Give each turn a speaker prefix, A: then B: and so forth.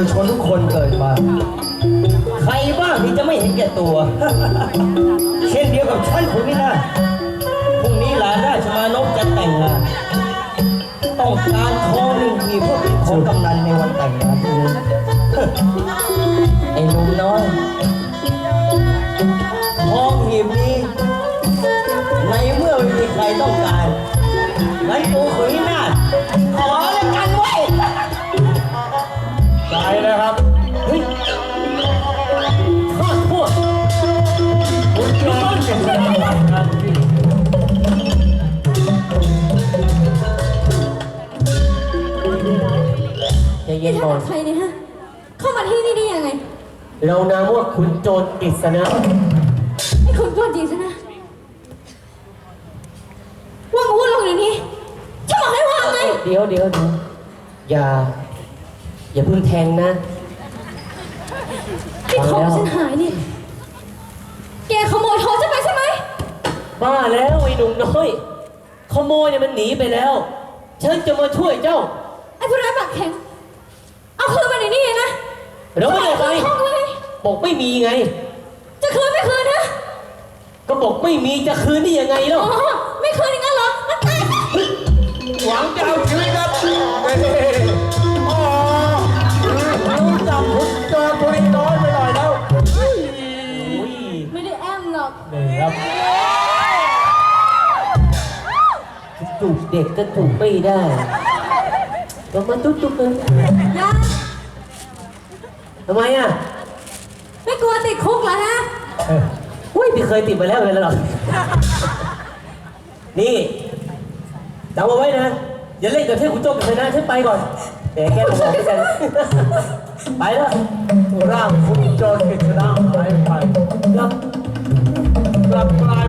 A: ตุชนทุกคนเกิดมาใครบ้างที่จะไม่เห็นแก่ตัว เช่นเดียวกับฉันคนนี้นะพรุ่งนี้หลานราชมานพจะแต่งงานต้องการทอง1 หีบเพื่อเป็นของกำนันในวันแต่งงานพรุ่งนี้ ไอ้หนุ่มน้อยทองหีบนี้ในเมื่อไม่มีใครต้องการงั้นกูขุนนาถขอแล้วกันไว้ใจเลยครับเฮ้ยทอดพวกคุณโจรเก่งขนาดนั้นใจเย็นก่อน
B: ใครเนี่ยฮะเข้ามาที่นี่ได้ยังไง
A: เรานามว่าคุณโจรกฤษณะ
B: ไอ้คนโจรจริงซะนะว่างพูดลงอย่างนี้ฉันบอกให้ว่างไง
A: เดี๋ยวอย่าเพิ่งแทงนะ
B: ที่ทองฉันหายนี่แกขโมยทองฉันไปใช่ไหม
A: บ้าแล้วไอ้หนุ่มน้อยขโมยเนี่ยมันหนีไปแล้วฉันจะมาช่วยเจ้า
B: ไอ้ผู้ร้ายปากแข็งเอาคืนมาในนี้เลยนะ
A: แล้วไม่ได้ไปบอกไม่มีไง
B: จะคืนไม่คืนนะ
A: ก็บอกไม่มีจะคืนได้ยังไงเนาะ
B: ไม่คืนอย่างนั้นเหรอมันตาย
C: หวังจะเอาชีวิตครับอ๋อรู้จักคุณโจรตัวนี้น้อยไปหน่อยแล้ว
B: ไม่ได้แอมหรอก
A: นี่ครับจูบเด็กก็จูบไม่ได้ก็มาจุ๊บเลย
B: ยา
A: ทำไมอ่ะ
B: ไม่กลัวติดคุกเหรอฮะ
A: อุ้ยพี่เคยติดมาแล้วเลยหรอนี่จำเอาไว้นะอย่าเล่นกับเทพคุณโจมกันนะฉันไปก่อนแต่แกบอกกันไปแล้ว
C: ร่างคุณโจรกฤษณะหายไปกลับกลาย